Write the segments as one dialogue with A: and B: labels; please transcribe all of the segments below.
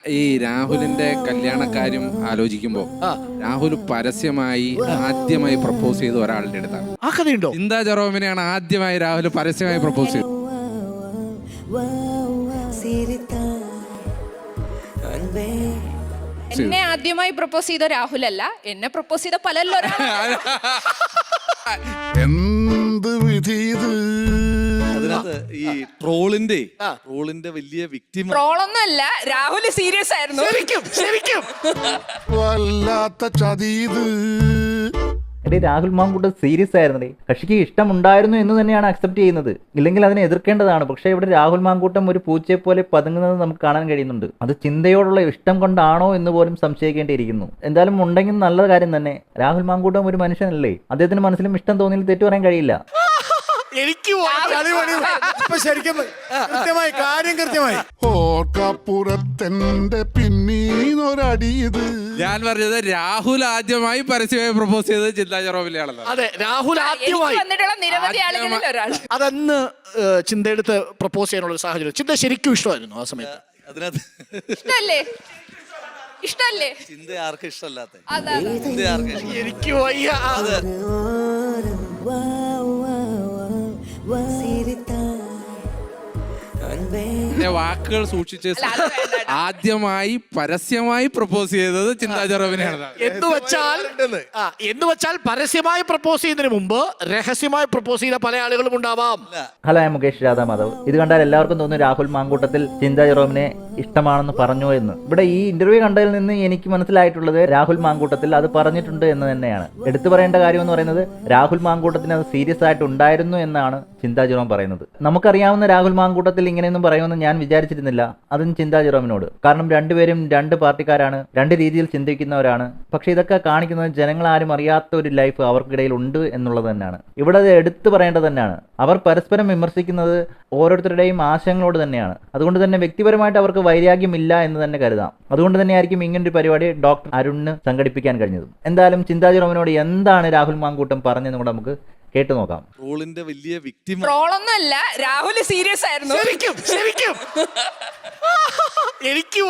A: ഈ രാഹുലിന്റെ കല്യാണക്കാര്യം ആലോചിക്കുമ്പോ രാഹുൽ പരസ്യമായി ആദ്യമായി പ്രപ്പോസ് ചെയ്ത ഒരാളുടെ അടുത്താണ്.
B: ആ കഥയുണ്ടോ?
A: ചിന്താ ജെറോമിനെയാണ് ആദ്യമായി രാഹുൽ പരസ്യമായി പ്രപ്പോസ് ചെയ്തത്.
C: എന്നെ ആദ്യമായി പ്രപ്പോസ് ചെയ്ത രാഹുലല്ല, എന്നെ പ്രപ്പോസ് ചെയ്ത പലല്ലോ.
D: എന്ത് വിധി ഇത്?
E: അതിനകത്ത് ഈ ട്രോളിന്റെ വലിയ വിക്ടിം
C: ട്രോളൊന്നും അല്ല, രാഹുൽ സീരിയസ് ആയിരുന്നു.
B: ശരിക്കും
D: വല്ലാത്ത ചതി ഇത്.
F: എടേ, രാഹുൽ മാങ്കൂട്ടം സീരിയസ് ആയിരുന്നേ. കക്ഷിക്ക് ഇഷ്ടമുണ്ടായിരുന്നു എന്ന് തന്നെയാണ് അക്സെപ്റ്റ് ചെയ്യുന്നത്, ഇല്ലെങ്കിൽ അതിനെ എതിർക്കേണ്ടതാണ്. പക്ഷേ ഇവിടെ രാഹുൽ മാങ്കൂട്ടം ഒരു പൂച്ചയെ പോലെ പതുങ്ങുന്നത് നമുക്ക് കാണാൻ കഴിയുന്നുണ്ട്. അത് ചിന്തയോടുള്ള ഇഷ്ടം കൊണ്ടാണോ എന്ന് പോലും സംശയിക്കേണ്ടിയിരിക്കുന്നു. എന്തായാലും ഉണ്ടെങ്കിൽ നല്ല കാര്യം തന്നെ. രാഹുൽ മാങ്കൂട്ടം ഒരു മനുഷ്യനല്ലേ, അദ്ദേഹത്തിന് മനസ്സിലും ഇഷ്ടം തോന്നിയിൽ തെറ്റു പറയാൻ കഴിയില്ല.
B: എനിക്ക് കൃത്യമായി
D: ഓർക്കപ്പുറത്തെന്റെ പിന്നീന്നൊരടി ഇത്.
A: ഞാൻ പറഞ്ഞത് രാഹുൽ ആദ്യമായി പരസ്യമായി പ്രപ്പോസ് ചെയ്തത് ചിന്താ ജെറോമിനെയാണല്ലോ.
B: അതെ, രാഹുൽ ആദ്യമായി
C: വന്നിട്ടുള്ള നിരവധി ആളുകളിൽ ഒരാൾ.
B: അതന്ന് ചിന്തയെടുത്ത് പ്രപ്പോസ് ചെയ്യാനുള്ള ഒരു സാഹചര്യം. ചിന്ത ശരിക്കും ഇഷ്ടമായിരുന്നു ആ സമയത്ത്.
E: അതിനകത്ത്
C: ഇഷ്ടല്ലേ
E: ചിന്ത ആർക്കും ഇഷ്ടമല്ലാത്ത
C: അതാ.
E: ചിന്ത ആർക്കും ഇഷ്ടം.
B: എനിക്ക് വയ്യ.
E: അതെ.
A: വാക്കുകൾ സൂക്ഷിച്ച് ആദ്യമായി പരസ്യമായി പ്രപ്പോസ് ചെയ്തത് ചിന്താ ജെറോമിനെയാണ്.
B: എന്ന് വെച്ചാൽ പരസ്യമായി പ്രപ്പോസ് ചെയ്യുന്നതിന് മുമ്പ് രഹസ്യമായി പ്രപ്പോസ് ചെയ്ത പല ആളുകളും ഉണ്ടാവാം.
F: ഹലോ, ഞാൻ മുകേഷ് രാധാമാധവ്. ഇത് കണ്ടാൽ എല്ലാവർക്കും തോന്നുന്നു രാഹുൽ മാങ്കൂട്ടത്തിൽ ചിന്താ ജെറോമിനെ ഇഷ്ടമാണെന്ന് പറഞ്ഞു എന്ന്. ഇവിടെ ഈ ഇന്റർവ്യൂ കണ്ടതിൽ നിന്ന് എനിക്ക് മനസ്സിലായിട്ടുള്ളത് രാഹുൽ മാങ്കൂട്ടത്തിൽ അത് പറഞ്ഞിട്ടുണ്ട് എന്ന് തന്നെയാണ്. എടുത്തു പറയേണ്ട കാര്യം എന്ന് പറയുന്നത് രാഹുൽ മാങ്കൂട്ടത്തിന് അത് സീരിയസ് ആയിട്ട് ഉണ്ടായിരുന്നു എന്നാണ് ചിന്താ ജെറോം പറയുന്നത്. നമുക്കറിയാവുന്ന രാഹുൽ മാങ്കൂട്ടത്തിൽ ഇങ്ങനെയൊന്നും പറയുമെന്ന് ഞാൻ വിചാരിച്ചിരുന്നില്ല, അതും ചിന്താ ജെറോമിനോട്. കാരണം രണ്ടുപേരും രണ്ട് പാർട്ടിക്കാരാണ്, രണ്ട് രീതിയിൽ ചിന്തിക്കുന്നവരാണ്. പക്ഷെ ഇതൊക്കെ കാണിക്കുന്നത് ജനങ്ങളാരും അറിയാത്ത ഒരു ലൈഫ് അവർക്കിടയിൽ ഉണ്ട് എന്നുള്ളത് തന്നെയാണ്. ഇവിടെ അത് എടുത്തു പറയേണ്ടത് തന്നെയാണ്. അവർ പരസ്പരം വിമർശിക്കുന്നത് ഓരോരുത്തരുടെയും ആശയങ്ങളോട് തന്നെയാണ്. അതുകൊണ്ട് തന്നെ വ്യക്തിപരമായിട്ട് അവർക്ക് വൈരാഗ്യമില്ല എന്ന് തന്നെ കരുതാം. അതുകൊണ്ട് തന്നെയായിരിക്കും ഇങ്ങനൊരു പരിപാടി ഡോക്ടർ അരുണിന് സംഘടിപ്പിക്കാൻ കഴിഞ്ഞതും. എന്തായാലും ചിന്താ ജെറോമിനോട് എന്താണ് രാഹുൽ മാങ്കൂട്ടം പറഞ്ഞതെന്ന് കൂടെ നമുക്ക് കേട്ടു നോക്കാം.
E: ട്രോളിന്റെ വലിയ വിക്ടിം
C: ട്രോളൊന്നും അല്ല, രാഹുൽ സീരിയസ് ആയിരുന്നു.
B: ശരിക്കും എനിക്ക്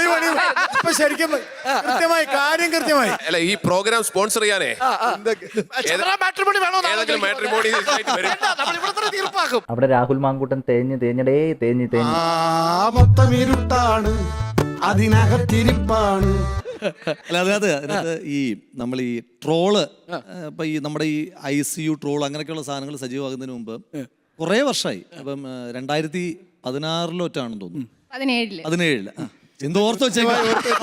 B: കൃത്യമായി.
G: അല്ല, ഈ പ്രോഗ്രാം സ്പോൺസർ ചെയ്യാനേ
B: തീർപ്പാക്കും.
F: അവിടെ രാഹുൽ മാങ്കൂട്ടം തേഞ്ഞ്
D: ആപത്തമിരുട്ടാണ്, അതിനകത്തിരിപ്പാണ്.
E: അല്ല, അതിനകത്ത് ഈ നമ്മൾ ഈ ട്രോള് ഇപ്പൊ ഈ നമ്മുടെ ഈ ICU ട്രോൾ അങ്ങനെയൊക്കെയുള്ള സാധനങ്ങൾ സജീവമാകുന്നതിന് മുമ്പ് കുറേ വർഷമായി. അപ്പം 2016 തോന്നുന്നു, 17 എന്തോർത്ത് വെച്ചേക്കാം.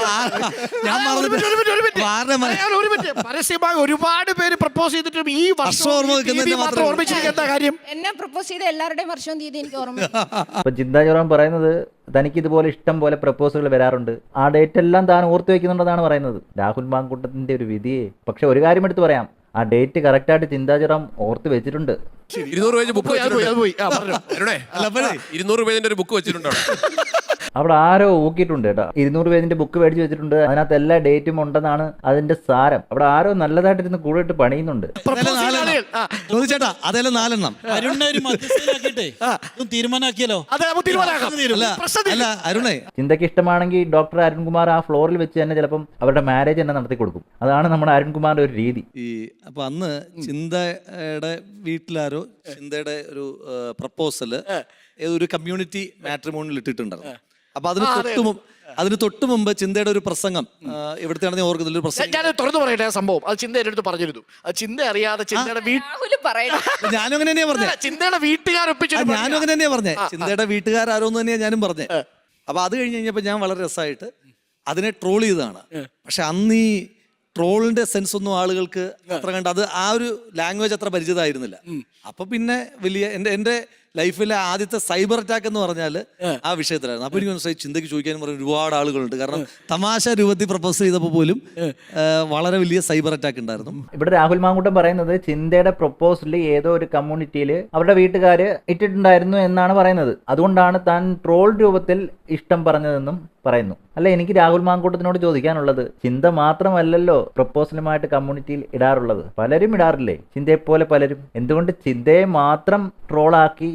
B: പരസ്യമായി ഒരുപാട് പേര് പ്രപ്പോസ് ചെയ്തിട്ടും ഈ വർഷം ഓർമ്മിച്ചിരിക്കുന്ന കാര്യം
C: എന്നെ പ്രപ്പോസ് ചെയ്ത എല്ലാവരുടെയും വർഷവും തീയതി എനിക്ക് ഓർമ്മ.
F: അപ്പൊ ചിന്താ ജെറോം പറയുന്നത് തനിക്ക് ഇതുപോലെ ഇഷ്ടം പോലെ പ്രപ്പോസലുകൾ വരാറുണ്ട്, ആ ഡേറ്റ് എല്ലാം താൻ ഓർത്തു വെക്കുന്നുണ്ടെന്നാണ് പറയുന്നത്. രാഹുൽ മാങ്കൂട്ടത്തിന്റെ ഒരു വിധിയെ. പക്ഷെ ഒരു കാര്യം എടുത്ത് പറയാം, ആ ഡേറ്റ് കറക്റ്റായിട്ട് ചിന്താ ജെറോം ഓർത്ത് വെച്ചിട്ടുണ്ട്.
G: 200 പേജ് ബുക്ക് വെച്ചിട്ടുണ്ട്. 200 പേജിന്റെ ഒരു ബുക്ക് വെച്ചിട്ടുണ്ടോ?
F: അവിടെ ആരോ ഊക്കിയിട്ടുണ്ട് കേട്ടോ. 200 പേജിന്റെ ബുക്ക് മേടിച്ച് വെച്ചിട്ടുണ്ട്. അതിനകത്ത് എല്ലാ ഡേറ്റും ഉണ്ടെന്നാണ് അതിന്റെ സാരം. അവിടെ ആരോ നല്ലതായിട്ടിരുന്ന് കൂടിയിട്ട് പണിയുന്നുണ്ട്.
E: ചോദിച്ചേട്ടാ, അതെല്ലാം 4
H: തീരുമാനാക്കിയല്ലോ.
E: അല്ല അരുണേ,
F: ചിന്തയ്ക്ക് ഇഷ്ടമാണെങ്കിൽ ഡോക്ടർ അരുൺകുമാർ ആ ഫ്ലോറിൽ വെച്ച് തന്നെ ചിലപ്പം അവരുടെ മാരേജ് തന്നെ നടത്തി കൊടുക്കും. അതാണ് നമ്മുടെ അരുൺകുമാറിന്റെ ഒരു രീതി.
E: അപ്പൊ അന്ന് ചിന്തയുടെ വീട്ടിലാരോ ചിന്തയുടെ ഒരു പ്രപ്പോസല് ഒരു കമ്മ്യൂണിറ്റി മാട്രിമോണിയിൽ ഇട്ടിട്ടുണ്ടായിരുന്നു. അപ്പൊ അതിന് തൊട്ട് മുമ്പ് ചിന്തയുടെ ഒരു പ്രസംഗം എവിടുത്തെയാണ് ഞാൻ ഓർക്കുന്നില്ല, ഒരു പ്രസംഗം.
B: ഞാൻ തുറന്നു പറയട്ടെ, സംഭവം അത് ചിന്ത എന്റെ അടുത്ത് പറഞ്ഞിരുന്നു. അത് ചിന്ത അറിയാതെ ചിന്തയുടെ
E: ഞാനും അങ്ങനെ തന്നെയാ പറഞ്ഞത്.
B: ചിന്തയുടെ വീട്ടുകാരൊപ്പിച്ചു.
E: ഞാനും അങ്ങനെ തന്നെയാ പറഞ്ഞത്. ചിന്തയുടെ വീട്ടുകാരോന്ന് തന്നെയാ ഞാനും പറഞ്ഞത്. അപ്പൊ അത് കഴിഞ്ഞ് കഴിഞ്ഞപ്പോ ഞാൻ വളരെ രസമായിട്ട് അതിനെ ട്രോൾ ചെയ്തതാണ്. പക്ഷെ അന്ന് ഈ ട്രോളിന്റെ സെൻസ് ഒന്നും ആളുകൾക്ക് അത്ര കണ്ട് അത് ആ ഒരു ലാംഗ്വേജ് അത്ര പരിചിതമായിരുന്നില്ല. അപ്പൊ പിന്നെ വലിയ എന്റെ ലൈഫിലെ ആദ്യത്തെ സൈബർ അറ്റാക്ക് എന്ന് പറഞ്ഞാൽ ആ വിഷയത്തിലായിരുന്നു. അപ്പൊ എനിക്ക് മനസ്സിലായി ചിന്തയ്ക്ക് ചോദിക്കാനും പറഞ്ഞ ഒരുപാട് ആളുകളുണ്ട്. കാരണം തമാശ രൂപത്തിൽ പ്രപ്പോസ് ചെയ്തപ്പോൾ പോലും വളരെ വലിയ സൈബർ അറ്റാക്ക് ഉണ്ടായിരുന്നു.
F: ഇവിടെ രാഹുൽ മാങ്കൂട്ടം പറയുന്നത് ചിന്തയുടെ പ്രപ്പോസൽ ഏതോ ഒരു കമ്മ്യൂണിറ്റിയിൽ അവരുടെ വീട്ടുകാര് ഇട്ടിട്ടുണ്ടായിരുന്നു എന്നാണ് പറയുന്നത്. അതുകൊണ്ടാണ് താൻ ട്രോൾ രൂപത്തിൽ ഇഷ്ടം പറഞ്ഞതെന്നും പറയുന്നു. അല്ല, എനിക്ക് രാഹുൽ മാങ്കൂട്ടത്തിനോട് ചോദിക്കാനുള്ളത്, ചിന്ത മാത്രമല്ലല്ലോ പ്രപ്പോസലുമായിട്ട് കമ്മ്യൂണിറ്റിയിൽ ഇടാറുള്ളത്, പലരും ഇടാറില്ലേ ചിന്തയെപ്പോലെ പലരും? എന്തുകൊണ്ട് ചിന്തയെ മാത്രം ട്രോളാക്കി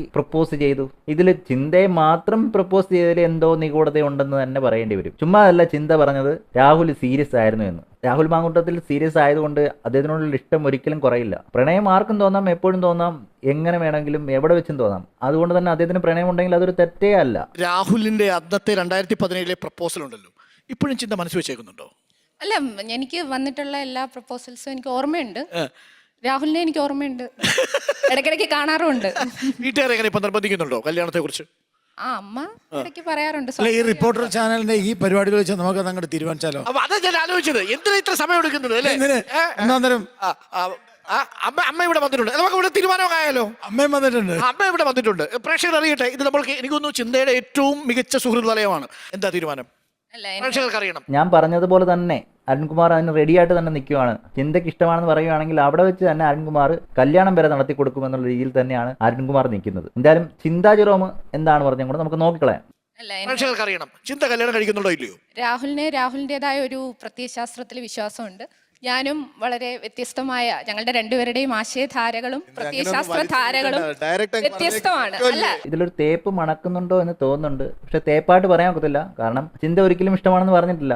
F: പ്രപ്പോസ് ചെയ്തു? ഇതിൽ ചിന്തയെ മാത്രം പ്രപ്പോസ് ചെയ്തതിൽ എന്തോ നിഗൂഢത ഉണ്ടെന്ന് തന്നെ പറയേണ്ടി വരും. ചുമ്മാ അല്ല ചിന്ത പറഞ്ഞത് രാഹുൽ സീരിയസ് ആയിരുന്നു എന്ന്. രാഹുൽ മാങ്കൂട്ടത്തിൽ സീരിയസ് ആയതുകൊണ്ട് അദ്ദേഹത്തിനോടുള്ള ഇഷ്ടം ഒരിക്കലും കുറയില്ല. പ്രണയം ആർക്കും തോന്നാം, എപ്പോഴും തോന്നാം, എങ്ങനെ വേണമെങ്കിലും എവിടെ വെച്ചും തോന്നാം. അതുകൊണ്ട് തന്നെ അദ്ദേഹത്തിന് പ്രണയം ഉണ്ടെങ്കിൽ അതൊരു തെറ്റേ അല്ല.
B: രാഹുലിന്റെ അന്നത്തെ 2017 പ്രപ്പോസൽ ഉണ്ടല്ലോ, ഇപ്പോഴും ചിന്ത മനസ്സ് വെച്ചേക്കുന്നുണ്ടോ?
C: അല്ല, എനിക്ക് വന്നിട്ടുള്ള എല്ലാ പ്രപ്പോസൽസും എനിക്ക് ഓർമ്മയുണ്ട്. രാഹുലിനെ എനിക്ക് ഓർമ്മയുണ്ട്, ഇടയ്ക്കിടയ്ക്ക് കാണാറുമുണ്ട്.
B: വീട്ടുകാരെ എങ്ങനെ ഇപ്പൊ നിർബന്ധിക്കുന്നുണ്ടോ കല്യാണത്തെ കുറിച്ച്?
C: ആ, അമ്മ ഇടയ്ക്ക് പറയാറുണ്ട്.
H: അല്ല, ഈ റിപ്പോർട്ടർ ചാനലിന്റെ ഈ പരിപാടികൾ വെച്ച് നമുക്ക് അതങ്ങോട്ട് തീരുമാനിച്ചാലോ?
B: അപ്പൊ അതാ ഞാൻ ആലോചിച്ചത്, എന്തിനാ ഇത്ര സമയം എടുക്കുന്നത് അല്ലേ?
H: ഒന്നാന്തരം
B: അമ്മ ഇവിടെ വന്നിട്ടുണ്ട്, നമുക്ക് ഇവിടെ തീരുമാനമായാലോ?
H: അമ്മയും വന്നിട്ടുണ്ട്.
B: അമ്മ ഇവിടെ വന്നിട്ടുണ്ട്, പ്രേക്ഷകർ അറിയട്ടെ. ഇത് നമ്മൾക്ക് എനിക്കൊന്നു ചിന്തയുടെ ഏറ്റവും മികച്ച സുഹൃത്ത് വലയമാണ്. എന്താ തീരുമാനം?
C: അല്ല,
B: പ്രേക്ഷകർക്ക് അറിയണം.
F: ഞാൻ പറഞ്ഞതുപോലെ തന്നെ അരുൺകുമാർ അതിന് റെഡിയായിട്ട് തന്നെ നിൽക്കുകയാണ്. ചിന്തയ്ക്ക് ഇഷ്ടമാണെന്ന് പറയുകയാണെങ്കിൽ അവിടെ വെച്ച് തന്നെ അരുൺകുമാർ കല്യാണം വരെ നടത്തി കൊടുക്കുമെന്നുള്ള രീതിയിൽ തന്നെയാണ് അരുൺകുമാർ നിൽക്കുന്നത്. എന്തായാലും ചിന്താ ജെറോം എന്താണ് പറഞ്ഞും കൂടെ നമുക്ക് നോക്കിക്കളയാം.
C: അല്ല,
B: പ്രേക്ഷകർക്ക് അറിയണം ചിന്ത കല്യാണം കഴിക്കുന്നുണ്ടോ ഇല്ലയോ?
C: രാഹുലിൻ്റെതായ ഒരു പ്രത്യയശാസ്ത്രത്തിൽ വിശ്വാസമുണ്ട്. ഞാനും വളരെ വ്യത്യസ്തമായ, ഞങ്ങളുടെ രണ്ടുപേരുടെയും ആശയധാരകളും പ്രത്യയശാസ്ത്ര ധാരകളും വ്യത്യസ്തമാണ്. അല്ല,
F: ഇതിലൊരു തേപ്പ് മണക്കുന്നുണ്ടോ എന്ന് തോന്നുന്നുണ്ട്. പക്ഷെ തേപ്പായിട്ട് പറയാൻ ഒക്കത്തില്ല, കാരണം ചിന്ത ഒരിക്കലും ഇഷ്ടമാണെന്ന് പറഞ്ഞിട്ടില്ല.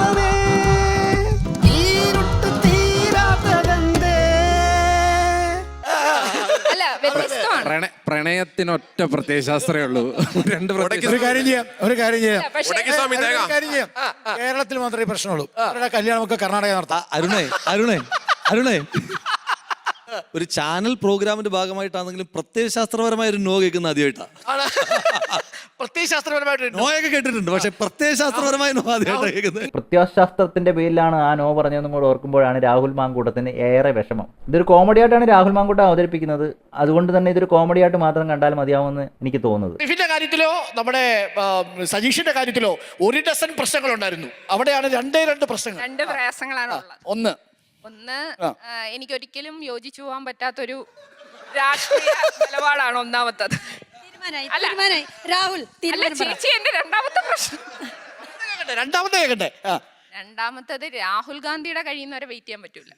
C: അല്ല, വ്യത്യസ്തമാണ്.
A: പ്രണയത്തിനൊറ്റ പ്രത്യയശാസ്ത്രമേ ഉള്ളൂ.
H: ഒരു കാര്യം ചെയ്യാം.
C: പക്ഷേ
H: കേരളത്തിൽ മാത്രമേ പ്രശ്നമുള്ളൂ. അവരുടെ കല്യാണമൊക്കെ കർണാടക നടത്താം.
E: അരുണേ ഒരു ചാനൽ പ്രോഗ്രാമിന്റെ ഭാഗമായിട്ടാണെങ്കിലും പ്രത്യയശാസ്ത്രപരമായ ഒരു നോ കേൾക്കുന്ന ആദ്യമായിട്ടാണ്.
B: പ്രത്യയശാസ്ത്രപരമായിട്ട്
E: നോയൊക്കെ കേട്ടിട്ടുണ്ട്, പക്ഷെ പ്രത്യയശാസ്ത്രപരമായ നോ ആദ്യമായിട്ടാണ് കേൾക്കുന്നത്.
F: പ്രത്യയശാസ്ത്രത്തിന്റെ പേരിലാണ് ആ നോ പറഞ്ഞതെന്നും കൂടെ ഓർക്കുമ്പോഴാണ് രാഹുൽ മാങ്കൂട്ടത്തിന് ഏറെ വിഷമം. ഇതൊരു കോമഡി ആയിട്ടാണ് രാഹുൽ മാങ്കൂട്ടം അവതരിപ്പിക്കുന്നത്. അതുകൊണ്ട് തന്നെ ഇതൊരു കോമഡി ആയിട്ട് മാത്രം കണ്ടാൽ മതിയാവുമെന്ന് എനിക്ക് തോന്നുന്നത്.
B: ടിഫിന്റെ കാര്യത്തിലോ നമ്മുടെ സജീഷിന്റെ കാര്യത്തിലോ 1 ഡസൻ പ്രശ്നങ്ങൾ ഉണ്ടായിരുന്നു. അവിടെയാണ് 2 പ്രശ്നങ്ങൾ.
C: 2 പ്രയാസങ്ങളാണ് ഉള്ളത്.
B: ഒന്ന്
C: എനിക്കൊരിക്കലും യോജിച്ചു പോകാൻ പറ്റാത്തൊരു രാഷ്ട്രീയ നിലപാടാണ് ഒന്നാമത്തത്. രാഹുൽ ചേച്ചി, എന്റെ രണ്ടാമത്തെ പ്രശ്നം.
B: രണ്ടാമത്തെ കേൾക്കട്ടെ.
C: രണ്ടാമത്തത് രാഹുൽ ഗാന്ധിയുടെ കഴിയുന്നവരെ വെയിറ്റ് ചെയ്യാൻ പറ്റൂല.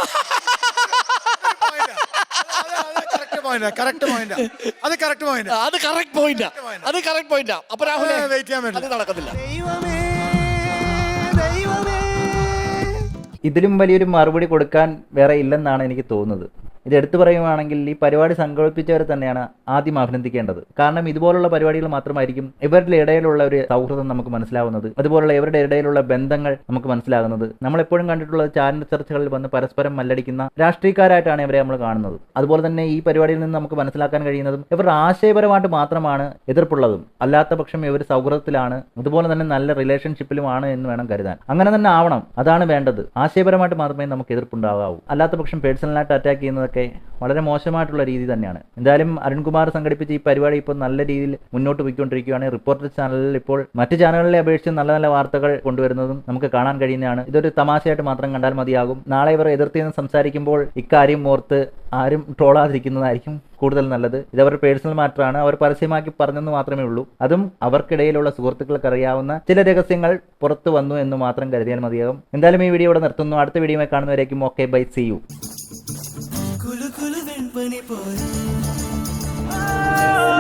B: അത് കറക്റ്റ് പോയിന്റാ. അപ്പൊ രാഹുൽ വെയിറ്റ് ചെയ്യാൻ പറ്റില്ല, അത് നടക്കത്തില്ല.
F: ഇതിലും വലിയൊരു മറുപടി കൊടുക്കാൻ വേറെ ഇല്ലെന്നാണ് എനിക്ക് തോന്നുന്നത്. ഇത് എടുത്തു പറയുകയാണെങ്കിൽ ഈ പരിപാടി സംഘടിപ്പിച്ചവരെ തന്നെയാണ് ആദ്യം അഭിനന്ദിക്കേണ്ടത്. കാരണം ഇതുപോലുള്ള പരിപാടികൾ മാത്രമായിരിക്കും ഇവരുടെ ഇടയിലുള്ള ഒരു സൗഹൃദം നമുക്ക് മനസ്സിലാവുന്നത്, അതുപോലുള്ള ഇവരുടെ ഇടയിലുള്ള ബന്ധങ്ങൾ നമുക്ക് മനസ്സിലാകുന്നത്. നമ്മളെപ്പോഴും കണ്ടിട്ടുള്ളത് ചാനൽ ചർച്ചകളിൽ വന്ന് പരസ്പരം മല്ലടിക്കുന്ന രാഷ്ട്രീയക്കാരായിട്ടാണ് ഇവരെ നമ്മൾ കാണുന്നത്. അതുപോലെ തന്നെ ഈ പരിപാടിയിൽ നിന്ന് നമുക്ക് മനസ്സിലാക്കാൻ കഴിയുന്നതും ഇവരുടെ ആശയപരമായിട്ട് മാത്രമാണ് എതിർപ്പുള്ളതും. അല്ലാത്ത പക്ഷം ഇവർ സൗഹൃദത്തിലാണ്, അതുപോലെ തന്നെ നല്ല റിലേഷൻഷിപ്പിലുമാണ് എന്ന് വേണം കരുതാൻ. അങ്ങനെ തന്നെ ആവണം, അതാണ് വേണ്ടത്. ആശയപരമായിട്ട് മാത്രമേ നമുക്ക് എതിർപ്പുണ്ടാകാവൂ. അല്ലാത്ത പക്ഷം പേഴ്സണലായിട്ട് അറ്റാക്ക് ചെയ്യുന്നതൊക്കെ വളരെ മോശമായിട്ടുള്ള രീതി തന്നെയാണ്. എന്തായാലും അരുൺകുമാർ സംഘടിപ്പിച്ച ഈ പരിപാടി ഇപ്പോൾ നല്ല രീതിയിൽ മുന്നോട്ട് പോയിക്കൊണ്ടിരിക്കുകയാണ്. റിപ്പോർട്ടർ ചാനലിൽ ഇപ്പോൾ മറ്റ് ചാനലുകളെ അപേക്ഷിച്ച് നല്ല നല്ല വാർത്തകൾ കൊണ്ടുവരുന്നതും നമുക്ക് കാണാൻ കഴിയുന്നതാണ്. ഇതൊരു തമാശയായിട്ട് മാത്രം കണ്ടാൽ മതിയാകും. നാളെ ഇവർ എതിർത്തിന്ന് സംസാരിക്കുമ്പോൾ ഇക്കാര്യം ഓർത്ത് ആരും ട്രോളാതിരിക്കുന്നതായിരിക്കും കൂടുതൽ നല്ലത്. ഇതവരുടെ പേഴ്സണൽ മാറ്ററാണ്, അവർ പരസ്യമാക്കി പറഞ്ഞെന്ന് മാത്രമേ ഉള്ളൂ. അതും അവർക്കിടയിലുള്ള സുഹൃത്തുക്കൾക്ക് അറിയാവുന്ന ചില രഹസ്യങ്ങൾ പുറത്തു വന്നു എന്ന് മാത്രം കരുതിയാൽ മതിയാകും. എന്തായാലും ഈ വീഡിയോ ഇവിടെ നിർത്തുന്നു. അടുത്ത വീഡിയോയിൽ കാണുന്നവരേക്കും ഓക്കെ, ബൈ, സീ യു.